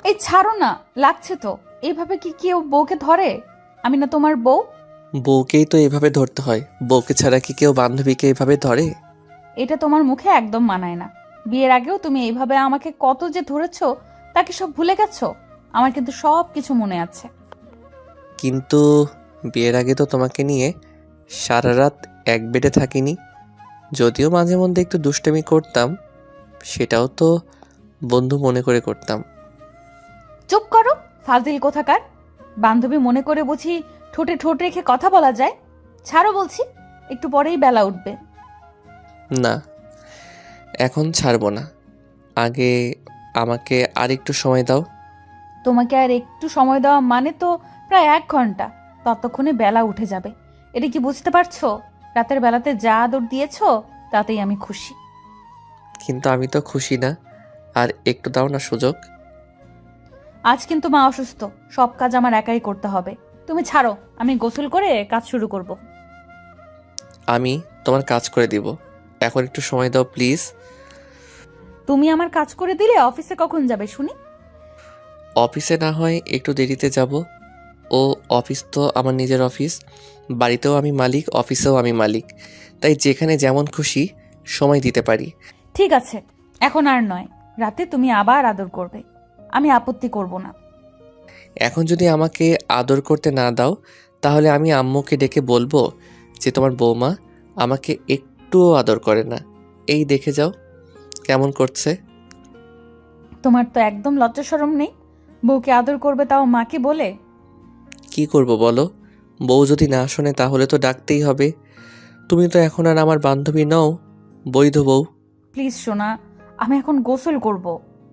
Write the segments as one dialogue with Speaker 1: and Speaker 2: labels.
Speaker 1: এই ছাড়ো না, লাগছে তো। এইভাবে কি কেউ বউকে ধরে? আমি না তোমার বউ?
Speaker 2: বউকেই তো এভাবে ধরতে হয়, বউকে ছাড়া কি কেউ বান্ধবীকে এভাবে ধরে?
Speaker 1: এটা তোমার মুখে একদম মানায় না। বিয়ের আগেও তুমি এইভাবে আমাকে কত যে ধরেছো, তা কি সব ভুলে গেছো? আমার কিন্তু সব কিছু মনে আছে।
Speaker 2: কিন্তু বিয়ের আগে তো তোমাকে নিয়ে সারা রাত এক বেডে থাকিনি। যদিও মাঝে মধ্যে একটু দুষ্টামি করতাম, সেটাও তো বন্ধু মনে করে করতাম।
Speaker 1: চুপ করো, ফাজিল কোথাকার। বান্ধবী মনে করে বুঝি ঠোঁটে ঠোঁট রেখে কথা বলা যায়? ছাড়ো বলছি, একটু পরেই বেলা উঠবে।
Speaker 2: না, এখন ছাড়বো না। আগে আমাকে আর একটু সময় দাও।
Speaker 1: তোমাকে আর একটু সময় দেওয়া মানে তো প্রায় 1 ঘন্টা। ততক্ষণে বেলা উঠে যাবে। এটা কি বুঝতে পারছো? রাতের বেলাতে যা আদর দিয়েছো, তাতেই আমি খুশি।
Speaker 2: কিন্তু আমি তো খুশি না, আর একটু দাও না সুযোগ।
Speaker 1: আজ কিন্তু মা অসুস্থ, সব কাজ আমার একাই করতে হবে। তুমি ছাড়ো, আমি গোসল করে কাজ শুরু করব।
Speaker 2: আমি তোমার কাজ করে দিব, এখন একটু সময় দাও প্লিজ।
Speaker 1: তুমি আমার কাজ করে দিলে অফিসে কখন যাবে শুনি?
Speaker 2: অফিসে না হয় একটু দেরিতে যাব। ও অফিস তো আমার নিজের অফিস, বাড়িতেও আমি মালিক, অফিসেও আমি মালিক, তাই যেখানে যেমন খুশি সময় দিতে পারি।
Speaker 1: ঠিক আছে, এখন আর নয়। রাতে তুমি আবার আদর করবে, আমি আপত্তি করব না।
Speaker 2: এখন যদি আমাকে আদর করতে না দাও, তাহলে আমি আম্মুকে ডেকে বলবো যে তোমার বৌমা আমাকে একটুও আদর করে না। এই দেখে যাও কেমন করছে।
Speaker 1: তোমার তো একদম লজ্জা শরম নেই। বউকে আদর করবে, তাও মাকে বলে।
Speaker 2: কি করব বলো? বউ যদি না শোনে তাহলে তো ডাকতেই হবে। তুমি তো এখন আর আমার বান্ধবী নও, বৈধ বউ।
Speaker 1: প্লিজ সোনা, আমি এখন গোসল করব।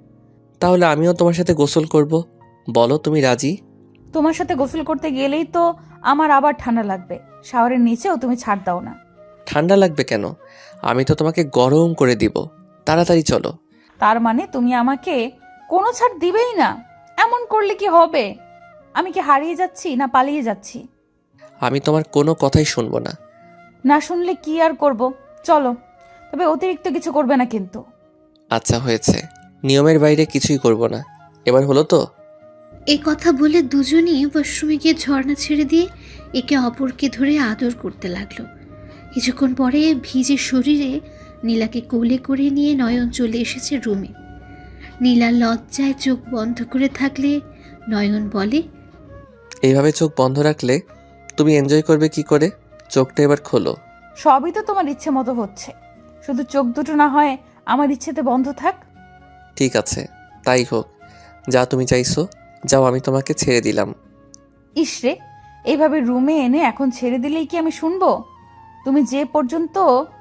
Speaker 2: তাহলে আমিও তোমার সাথে গোসল করব। বলো তুমি রাজি?
Speaker 1: তোমার সাথে গোসল করতে গেলেই তো আমার আবার ঠান্ডা লাগবে। শাওয়ারের নিচেও তুমি ছাড় দাও না।
Speaker 2: ঠান্ডা লাগবে কেন? আমি তো তোমাকে গরম করে দিব। তাড়াতাড়ি চলো।
Speaker 1: তার মানে তুমি আমাকে কোনো ছাড় দিবেই না? এমন করলে কি হবে? আমি কি হারিয়ে যাচ্ছি না পালিয়ে যাচ্ছি?
Speaker 2: আমি তোমার কোনো কথাই শুনবো না।
Speaker 1: না শুনলে কি আর করব? চলো, তবে অতিরিক্ত কিছু করবে না কিন্তু।
Speaker 2: আচ্ছা হয়েছে, নিয়মের বাইরে কিছুই করব না। এবার হলো তো?
Speaker 3: এ কথা বলে দুজনই ওয়াশরুমে গিয়ে ঝর্ণা ছেড়ে দিয়ে একে অপরকে ধরে আদর করতে লাগলো। কিছুক্ষণ পরে ভিজে শরীরে নীলাকে কোলে করে নিয়ে নয়ন চলে এসেছে রুমে। নীলা লজ্জায় চোখ বন্ধ করে থাকলে নয়ন বলে,
Speaker 2: এইভাবে চোখ বন্ধ রাখলে তুমি এনজয় করবে কি করে? চোখটা এবার খোলো।
Speaker 1: সবই তো তোমার ইচ্ছে মতো হচ্ছে, শুধু চোখ দুটো না হয় আমার ইচ্ছেতে বন্ধ থাক।
Speaker 2: ঠিক আছে, তাই হোক। যা তুমি চাইছো, যাও, আমি তোমাকে ছেড়ে দিলাম।
Speaker 1: ইসরে, এইভাবে রুমে এনে এখন ছেড়ে দিলেই কি আমি শুনবো? তুমি যে পর্যন্ত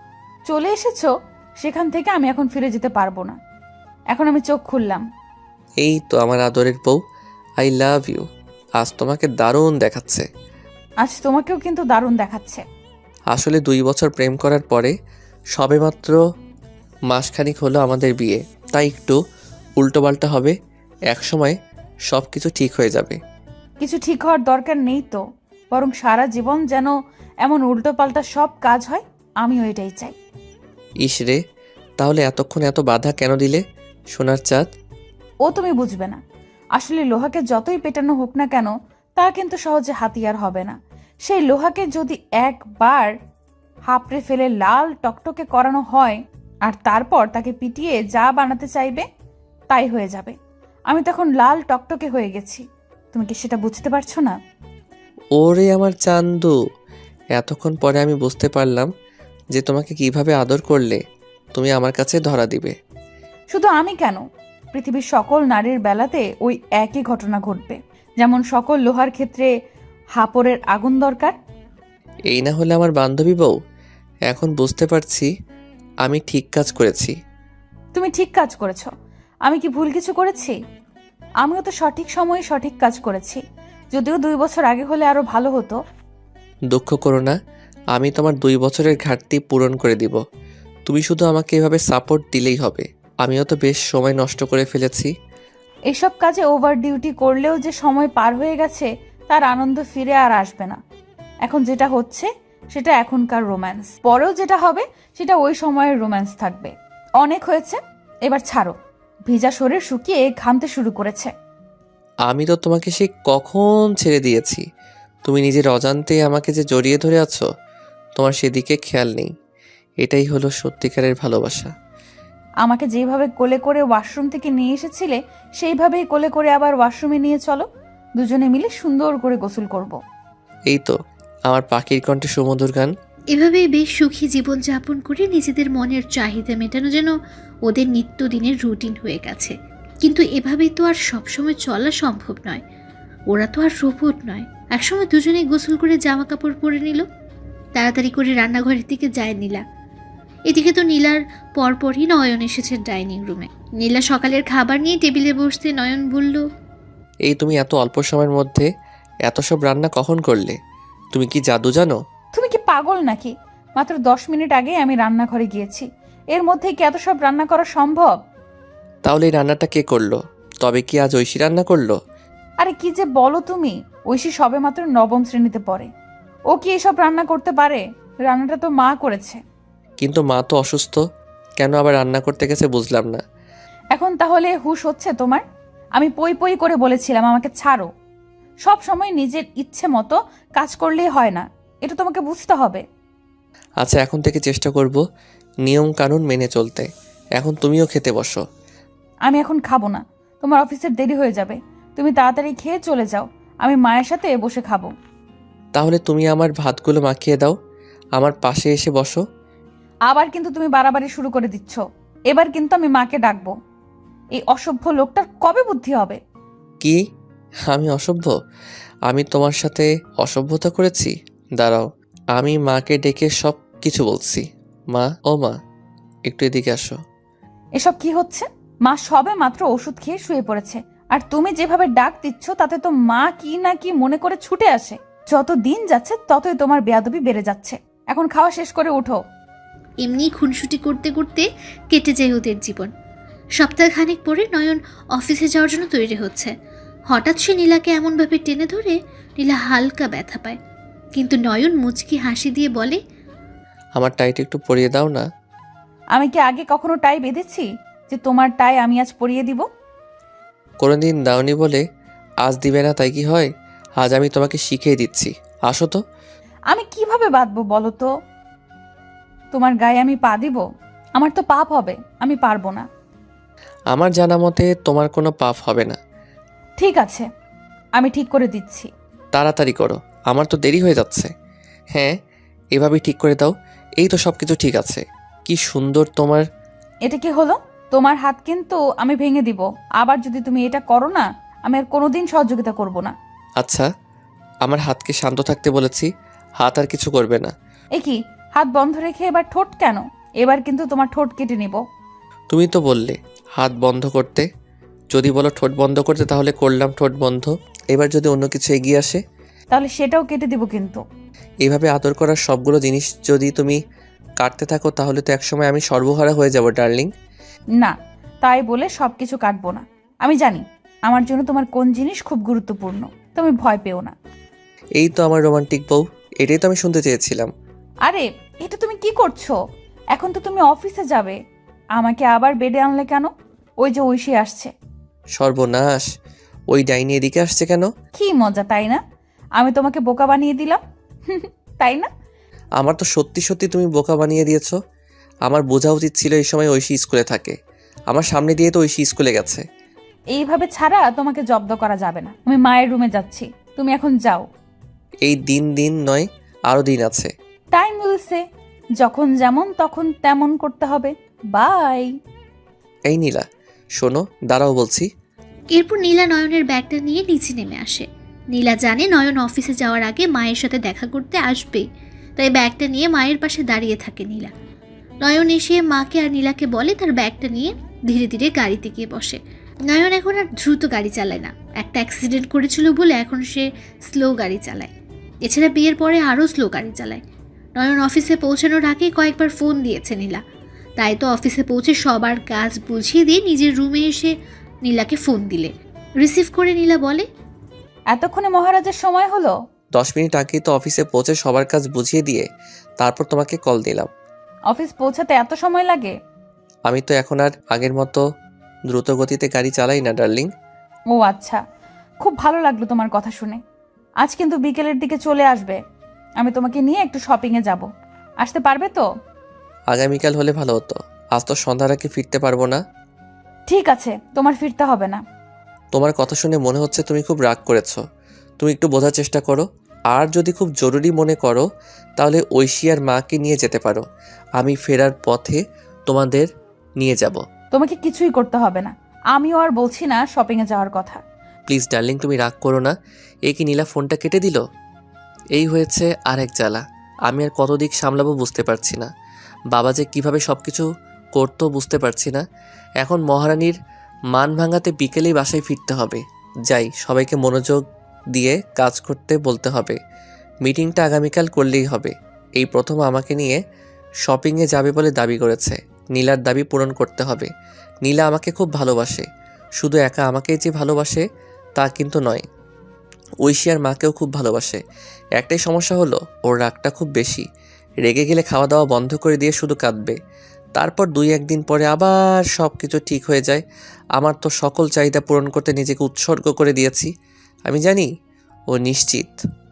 Speaker 1: চলে এসেছো, সেখান থেকে আমি এখন ফিরে যেতে পারবো না। এখন আমি চোখ খুললাম।
Speaker 2: এই তো আমার আদরের বউ, আই লাভ ইউ। আজ তোমাকে দারুণ দেখাচ্ছে।
Speaker 1: আজ তোমাকেও কিন্তু দারুণ দেখাচ্ছে।
Speaker 2: আসলে 2 বছর প্রেম করার পরে সবেমাত্র মাসখানিক হলো আমাদের বিয়ে, তাই একটু উল্টোপাল্টা হবে। একসময় সব কিছু ঠিক হয়ে যাবে।
Speaker 1: কিছু ঠিক হওয়ার দরকার নেই তো, বরং সারা জীবন যেন এমন উল্টোপাল্টা সব কাজ হয়, আমিও এটাই চাই।
Speaker 2: ইসরে, তাহলে এতক্ষণ এত বাধা কেন দিলে সোনার চাঁদ?
Speaker 1: ও তুমি বুঝবে না। আসলে লোহাকে যতই পেটানো হোক না কেন, তা কিন্তু সহজে হাতিয়ার হবে না। সেই লোহাকে যদি একবার হাপড়ে ফেলে লাল টকটকে করানো হয়, আর তারপর তাকে পিটিয়ে যা বানাতে চাইবে তাই হয়ে যাবে। আমি তখন লাল টকটকে হয়ে গেছি। তুমি কি সেটা বুঝতে পারছো না?
Speaker 2: ওরে আমার চান্দু, এতক্ষণ পরে আমি বুঝতে পারলাম যে তোমাকে কিভাবে আদর করলে তুমি আমার কাছে ধরা দিবে।
Speaker 1: শুধু আমি কেন, পৃথিবীর সকল নারীর বেলাতে ওই একই ঘটনা ঘটবে। যেমন সকল লোহার ক্ষেত্রে হাপড়ের আগুন দরকার।
Speaker 2: এই না হলে আমার বান্ধবী বউ। এখন বুঝতে পারছি আমি ঠিক কাজ করেছি।
Speaker 1: তুমি ঠিক কাজ করেছো। আমি কি ভুল কিছু করেছি? আমিও তো সঠিক সময়ে সঠিক কাজ করেছি, যদিও 2 বছর আগে হলে আরো ভালো হতো।
Speaker 2: দুঃখ করো না, আমি তোমার 2 বছরের ঘাটতি পূরণ করে দিব। তুমি শুধু আমাকে এভাবে সাপোর্ট দিলেই হবে। আমিও তো বেশ সময় নষ্ট করে ফেলেছি।
Speaker 1: এসব কাজে ওভার ডিউটি করলেও যে সময় পার হয়ে গেছে, তার আনন্দ ফিরে আর আসবে না। এখন যেটা হচ্ছে সেটা এখনকার রোম্যান্স, পরেও যেটা হবে সেটা ওই সময়ের রোম্যান্স থাকবে। অনেক হয়েছে, এবার ছাড়ো। ভিজা শরীর শুকিয়ে ঘামতে শুরু করেছে।
Speaker 2: আমি তো তোমাকে সে কখন ছেড়ে দিয়েছি। তুমি নিজের অজান্তে আমাকে যে জড়িয়ে ধরে আছো, তোমার সেদিকে খেয়াল নেই। এটাই হলো সত্যিকারের ভালোবাসা।
Speaker 1: আমাকে যেভাবে কোলে করে ওয়াশরুম থেকে নিয়ে এসেছিলে সেইভাবেই কোলে করে আবার ওয়াশরুমে নিয়ে চলো, দুজনে মিলে সুন্দর করে গোসল করব।
Speaker 2: এই তো আমার পাখির কণ্ঠে সুমধুর গান।
Speaker 3: এভাবেই বেশ সুখী জীবনযাপন করে নিজেদের মনের চাহিদা মেটানো যেন ওদের নিত্যদিনের রুটিন হয়ে গেছে। কিন্তু এভাবেই তো আর সবসময় চলা সম্ভব নয়। ওরা তো আর রোবট নয়। একসময় দুজনেই গোসল করে জামা কাপড় পরে নিল। তাড়াতাড়ি করে রান্নাঘরের দিকে যায় নীলা। এদিকে তো নীলার পরপরই নয়ন এসেছে ডাইনিং রুমে। নীলা সকালের খাবার নিয়ে টেবিলে বসতে নয়ন বলল,
Speaker 2: এই তুমি এত অল্প সময়ের মধ্যে এত সব রান্না কখন করলে? তুমি কি জাদু জানো?
Speaker 1: তুমি কি পাগল নাকি? মাত্র 10 মিনিট আগে আমি রান্নাঘরে গিয়েছি, এর মধ্যে কি এত সব রান্না করা সম্ভব?
Speaker 2: তাহলে এই রান্নাটা কে করলো? তবে কি আজ ঐশী রান্না করলো?
Speaker 1: আরে কি যে বলো তুমি, ঐশী সবে মাত্র 9ম শ্রেণীতে পড়ে, ও কি এসব রান্না করতে পারে? রান্নাটা তো মা করেছে।
Speaker 2: কিন্তু মা তো অসুস্থ, কেন আবার রান্না করতে গেছে বুঝলাম না।
Speaker 1: এখন তাহলে হুঁশ হচ্ছে তোমার? আমি পই পই করে বলেছিলাম আমাকে ছাড়ো। সব সময় নিজের ইচ্ছে মতো কাজ করলেই হয় না, এটা তোমাকে বুঝতে হবে।
Speaker 2: আচ্ছা, এখন থেকে চেষ্টা করব নিয়ম কানুন মেনে চলতে। এখন তুমিও খেতে বসো।
Speaker 1: আমি এখন খাবো না, তোমার অফিসের দেরি হয়ে যাবে। তুমি তাড়াতাড়ি খেয়ে চলে যাও, আমি মায়ের সাথে বসে খাবো।
Speaker 2: তাহলে তুমি আমার ভাতগুলো মাখিয়ে দাও, আমার পাশে এসে বসো।
Speaker 1: আবার কিন্তু তুমি বাড়াবাড়ি শুরু করে দিচ্ছ। এবার কিন্তু আমি মাকে ডাকবো। এই অসভ্য লোকটার কবে বুদ্ধি হবে?
Speaker 2: কি? আমি অসভ্য? আমি তোমার সাথে অসভ্যতা করেছি? দাঁড়াও, আমি মাকে ডেকে সব কিছু বলছি। মা, ও মা, একটু এদিকে আসো।
Speaker 1: এসব কি হচ্ছে? মা সবে মাত্র ওষুধ খেয়ে শুয়ে পড়েছে, আর তুমি যেভাবে ডাক দিচ্ছ তাতে তো মা কি না কি মনে করে ছুটে আসে। যত দিন যাচ্ছে ততই তোমার বেয়াদবি বেড়ে যাচ্ছে। এখন খাওয়া শেষ করে উঠো।
Speaker 3: এমনি খুনসুটি করতে করতে কেটে যায় ওদের জীবন। সপ্তাহখানেক পরে নয়ন অফিসে যাওয়ার জন্য তৈরি হচ্ছে। হঠাৎ সে নীলাকে এমনভাবে টেনে ধরে নীলা হালকা ব্যথা পায়, কিন্তু নয়ন মুচকি হাসি দিয়ে বলে,
Speaker 2: আমার টাইট একটু পরিয়ে দাও না।
Speaker 1: আমি কি আগে কখনো টাই বেঁধেছি যে তোমার টাই আমি আজ পরিয়ে দিব?
Speaker 2: কোনোদিন দাওনি বলে আজ দিবে না তাই কি হয়? আজ আমি তোমাকে শিখিয়ে দিচ্ছি, আসো তো।
Speaker 1: আমি কিভাবে বাঁধবো বলো তো? তোমার গায়ে আমি পা দিব? আমার তো পাপ হবে, আমি পারবো না।
Speaker 2: আমার জানা মতে তোমার কোনো পাপ হবে না।
Speaker 1: ঠিক আছে, আমি ঠিক করে দিচ্ছি।
Speaker 2: তাড়াতাড়ি করো, আমার তো দেরি হয়ে যাচ্ছে। হ্যাঁ, এভাবেই ঠিক করে দাও। এই তো সব কিছু ঠিক আছে। কি সুন্দর তোমার।
Speaker 1: এটা কি হলো? তোমার হাত কিন্তু আমি ভেঙে দিব। আবার যদি তুমি এটা করো না, আমি আর কোনোদিন সহযোগিতা করব না।
Speaker 2: আচ্ছা, আমার হাতকে শান্ত থাকতে বলেছি, হাত আর কিছু করবে না।
Speaker 1: এ কি, হাত বন্ধ রেখে এবার ঠোঁট কেন? এবার কিন্তু তোমার ঠোঁট কেটে নিব।
Speaker 2: তুমি তো বললে হাত বন্ধ করতে, যদি বলো ঠোঁট বন্ধ করতে তাহলে করলাম ঠোঁট বন্ধ। এবার যদি অন্য কিছু এগিয়ে আসে
Speaker 1: তাহলে সেটাও কেটে দিব কিন্তু।
Speaker 2: এইভাবে আদর করার সবগুলো জিনিস যদি তুমি কাটতে থাকো তাহলে তো একসময় আমি সর্বহারা হয়ে যাব ডার্লিং।
Speaker 1: না, তাই বলে সবকিছু কাটবো না। আমি জানি আমার জন্য তোমার কোন জিনিস খুব গুরুত্বপূর্ণ, তুমি ভয় পেও না।
Speaker 2: এই তো আমার রোমান্টিক বউ, এটাই তো আমি শুনতে চেয়েছিলাম।
Speaker 1: আরে এটা তুমি কি করছো? এখন তো তুমি অফিসে যাবে, আমাকে আবার বেডে আনলে কেন? ওই যে ঐশী আসছে।
Speaker 2: সর্বনাশ, ওই ডাইনি এদিকে আসছে কেন?
Speaker 1: কি মজা তাই না? আমি তোমাকে বোকা বানিয়ে দিলাম তাই না?
Speaker 2: আমার তো সত্যি সত্যি তুমি বোকা বানিয়ে দিয়েছো। আমার বোঝা উচিত ছিল এই সময় ঐশী স্কুলে থাকে। আমার সামনে দিয়ে তো ঐশী স্কুলে গেছে।
Speaker 1: এইভাবে ছাড়া তোমাকে জব্দ করা যাবে না। আমি মায়ের রুমে যাচ্ছি, তুমি এখন যাও।
Speaker 2: এই দিন দিন নয়, আরও দিন আছে।
Speaker 1: টাইম উইলসে, যখন যেমন তখন তেমন করতে হবে। বাই।
Speaker 2: এই নীলা, শোনো, দাঁড়াও বলছি।
Speaker 3: এরপর নীলা নয়নের ব্যাগটা নিয়ে নিচে নেমে আসে। নীলা জানে নয়ন অফিসে যাওয়ার আগে মায়ের সাথে দেখা করতে আসবে, তাই ব্যাগটা নিয়ে মায়ের পাশে দাঁড়িয়ে থাকে নীলা। নয়ন এসে মাকে আর নীলাকে বলে তার ব্যাগটা নিয়ে ধীরে ধীরে গাড়িতে গিয়ে বসে। নয়ন এখন আর দ্রুত গাড়ি চালায় না। একটা অ্যাক্সিডেন্ট করেছিল বলে এখন সে স্লো গাড়ি চালায়। এছাড়া বিয়ের পরে আরও স্লো গাড়ি চালায়। নয়ন অফিসে পৌঁছানোর আগে কয়েকবার ফোন দিয়েছে নীলা, তাই তো অফিসে পৌঁছে সবার কাজ বুঝিয়ে দিয়ে নিজের রুমে এসে নীলাকে ফোন দিলে রিসিভ করে নীলা বলে,
Speaker 1: এতক্ষণে মহারাজের সময় হলো?
Speaker 2: 10 মিনিট আগেই তো অফিসে পৌঁছে সবার কাজ বুঝিয়ে দিয়ে তারপর তোমাকে কল দিলাম।
Speaker 1: অফিস পৌঁছাতে এত সময় লাগে?
Speaker 2: আমি তো এখন আর আগের মতো দ্রুত গতিতে গাড়ি চালাই না ডার্লিং।
Speaker 1: ও আচ্ছা, খুব ভালো লাগলো তোমার কথা শুনে। আজ কিন্তু বিকেলের দিকে চলে আসবে, আমি তোমাকে নিয়ে একটু শপিংয়ে যাব। আসতে পারবে তো?
Speaker 2: আগামীকাল হলে ভালো হতো, আজ তো সন্ধ্যার আগে ফিরতে পারবো না।
Speaker 1: ঠিক আছে, তোমার ফিরতে হবে না।
Speaker 2: তোমার কথা শুনে মনে হচ্ছে তুমি খুব রাগ করেছো। তুমি একটু বোঝার চেষ্টা করো। আর যদি খুব জরুরি মনে করো তাহলে ঐশী আর মাকে নিয়ে যেতে পারো। আমি ফেরার পথে তোমাদের নিয়ে যাব।
Speaker 1: তোমাকে কিছুই করতে হবে না, আমিও আর বলছি না শপিংয়ে যাওয়ার কথা।
Speaker 2: প্লিজ ডার্লিং, তুমি রাগ করো না। এ কি নীলা ফোনটা কেটে দিল? এই হয়েছে আর এক জ্বালা। আমি আর কত দিক সামলাবো বুঝতে পারছি না। বাবা যে কিভাবে সব কিছু করতো বুঝতে পারছি না। এখন মহারানীর মান ভাঙাতে বিকেলেই বাসায় ফিরতে হবে। যাই, সবাইকে মনোযোগ দিয়ে কাজ করতে বলতে হবে। মিটিংটা আগামীকাল করলেই হবে। এই প্রথম আমাকে নিয়ে শপিংয়ে যাবে বলে দাবি করেছে। নীলার দাবি পূরণ করতে হবে। নীলা আমাকে খুব ভালোবাসে। শুধু একা আমাকেই যে ভালোবাসে তা কিন্তু নয়, ঐশী আর মাকেও খুব ভালোবাসে। একটাই সমস্যা হলো, ওর রাগটা খুব বেশি। রেগে গেলে খাওয়া দাওয়া বন্ধ করে দিয়ে শুধু কাঁদবে। তারপর 2-1 দিন পরে আবার সব কিছু ঠিক হয়ে যায়। আমার তো সকল চাহিদা পূরণ করতে নিজেকে উৎসর্গ করে দিয়েছি। আমি জানি ও নিশ্চিত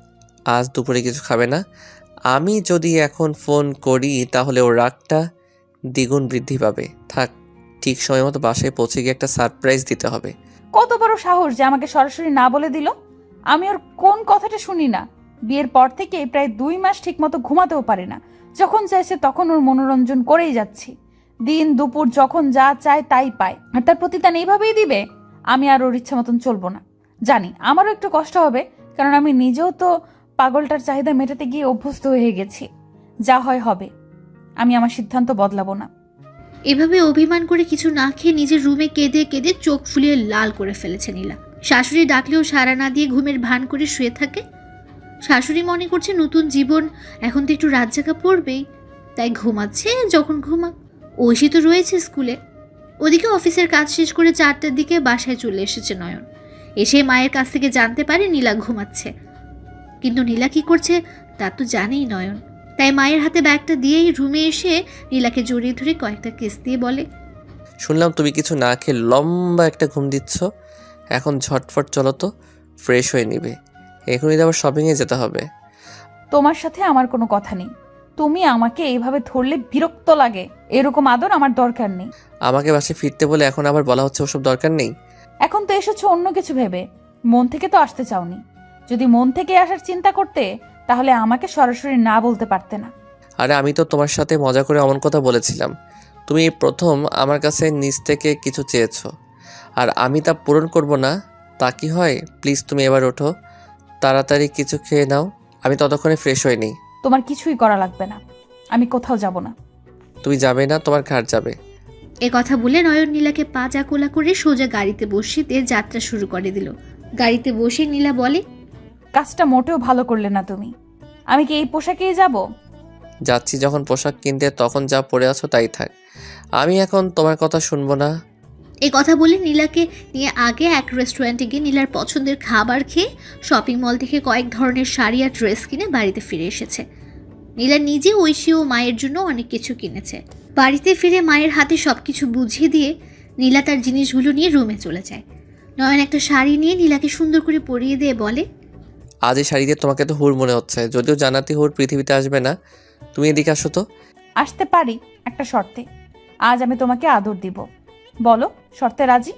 Speaker 2: আজ দুপুরে কিছু খাবে না। আমি যদি এখন ফোন করি তাহলে ওর রাগটা দ্বিগুণ বৃদ্ধি পাবে। থাক, ঠিক সময় মতো বাসায় পৌঁছে গিয়ে একটা সারপ্রাইজ দিতে হবে।
Speaker 1: কত বড় সাহস যে আমাকে সরাসরি না বলে দিল! আমি ওর কোন কথাটা শুনি না। বিয়ের পর থেকে প্রায় 2 মাস ঠিক মতো ঘুমাতেও পারি না। যখন চাইছে তখন ওর মনোরঞ্জন করেই যাচ্ছি। দিন দুপুর যখন যা চায় তাই পায়, আর তার প্রতিদান এইভাবেই দিবে? আমি আর ওর ইচ্ছা মতন চলবো না। জানি আমারও একটু কষ্ট হবে, কারণ আমি নিজেও তো পাগলটার চাহিদা মেটাতে গিয়ে অভ্যস্ত হয়ে গেছি। যা হয় হবে, আমি আমার সিদ্ধান্ত বদলাবো না।
Speaker 3: এভাবে অভিমান করে কিছু না খেয়ে নিজের রুমে কেঁদে কেঁদে চোখ ফুলিয়ে লাল করে ফেলেছে নীলা। শাশুড়ি ডাকলেও সাড়া না দিয়ে ঘুমের ভান করে শুয়ে থাকে। শাশুড়ি মনে করছে নতুন জীবন, এখন তো একটু রাত জাগা পড়বেই, তাই ঘুমাচ্ছে যখন ঘুমাক। ঐশী তো রয়েছে স্কুলে। ওদিকে অফিসের কাজ শেষ করে 4টার দিকে বাসায় চলে এসেছে নয়ন। এসে মায়ের কাছ থেকে জানতে পারে নীলা ঘুমাচ্ছে। কিন্তু নীলা কি করছে তা তো জানেই নয়ন। তাই মায়ের হাতে ব্যাগটা দিয়েই রুমে এসে নীলাকে জড়িয়ে ধরে কয়েকটা কিস দিয়ে বলে,
Speaker 2: শুনলাম তুমি কিছু না খেয়ে লম্বা একটা ঘুম দিচ্ছ। এখন ঝটফট চলো তো, ফ্রেশ হয়ে নিবে। এখনই তো আবার শপিংয়ে যেতে হবে।
Speaker 1: তোমার সাথে আমার কোনো কথা নেই। তুমি আমাকে এইভাবে ধরলে বিরক্ত লাগে। এরকম আদর আমার দরকার নেই।
Speaker 2: আমাকে বাসে ফিরতে বলে এখন আবার বলা হচ্ছে ওসব দরকার নেই।
Speaker 1: এখন তো এসেছো অন্য কিছু ভেবে, মন থেকে তো আসতে চাওনি। যদি মন থেকে আসার চিন্তা করতে তাহলে আমাকে সরাসরি না বলতে পারতে না।
Speaker 2: আরে আমি তো তোমার সাথে মজা করে অমন কথা বলেছিলাম। তুমি এই প্রথম আমার কাছে নিজ থেকে কিছু চেয়েছো, আর আমি তা পূরণ করব না তা কি হয়? প্লিজ তুমি এবার ওঠো, তাড়াতাড়ি কিছু খেয়ে নাও। আমি ততক্ষণে ফ্রেশ হয়ে নিই।
Speaker 1: তোমার কিছুই করা লাগবে না, আমি কোথাও যাব না।
Speaker 2: তুমি যাবে না, তোমার ঘাট যাবে।
Speaker 3: এ কথা বলে নয়ন নীলাকে পা জাকোলা করে সোজা গাড়িতে বসিয়ে দিয়ে যাত্রা শুরু করে দিল। গাড়িতে বসে নীলা বলে,
Speaker 1: কাজটা মোটেও ভালো করলে না তুমি। আমি কি এই পোশাকেই যাব?
Speaker 2: যাচ্ছি যখন পোশাক কিনতে, তখন যা পরে আছো তাই থাক। আমি এখন তোমার কথা শুনবো না।
Speaker 3: এই কথা বলে নীলাকে নিয়ে আগে এক রেস্টুরেন্টে গিয়ে নীলার পছন্দের খাবার খেয়ে শপিং মল থেকে কয়েক ধরনের শাড়ি আর ড্রেস কিনে বাড়িতে ফিরে এসেছে। নীলা নিজে ঐশী ও মায়ের জন্য অনেক কিছু কিনেছে। বাড়িতে ফিরে মায়ের হাতে সবকিছু বুঝিয়ে দিয়ে নীলা তার জিনিসগুলো নিয়ে রুমে চলে যায়। নয়ন একটা শাড়ি নিয়ে নীলাকে সুন্দর করে পরিয়ে দিয়ে বলে,
Speaker 2: আজ এই শাড়ি দিয়ে তোমাকে তো হুর মনে হচ্ছে, যদিও জানাতে হুর পৃথিবীতে আসবে না। তুমি এদিকে আসো তো।
Speaker 1: আসতে পারি একটা শর্তে। আজ আমি তোমাকে আদর দিব। বলো, শর্তে রাজি?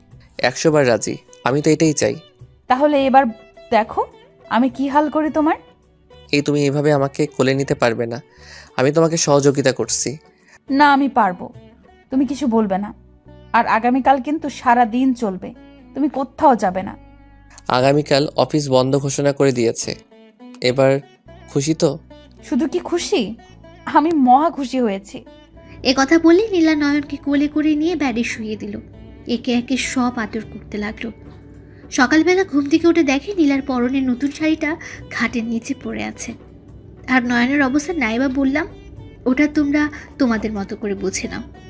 Speaker 2: 100 বার রাজি, আমি তো এটাই চাই।
Speaker 1: তাহলে এবার দেখো আমি কি হাল করি তোমার।
Speaker 2: এই তুমি এইভাবে আমাকে কোলে নিতে পারবে না। আমি তোমাকে সহযোগিতা করছি।
Speaker 1: না, আমি পারবো। তুমি কিছু বলবে না। আর আগামীকাল কিন্তু সারা দিন চলবে, তুমি কোথাও যাবে না।
Speaker 2: আগামীকাল অফিস বন্ধ ঘোষণা করে দিয়েছে। এবার খুশি তো?
Speaker 1: শুধু কি খুশি, আমি মহা খুশি হয়েছি।
Speaker 3: এ কথা বলে নীলা নয়নকে কোলে করে নিয়ে ব্যাডে শুইয়ে দিল। একে একে সব আদর করতে লাগলো। সকালবেলা ঘুম থেকে উঠে দেখে নীলার পরনের নতুন শাড়িটা খাটের নিচে পড়ে আছে। আর নয়নের অবস্থা নাইবা বললাম, ওটা তোমরা তোমাদের মতো করে বুঝে নাও।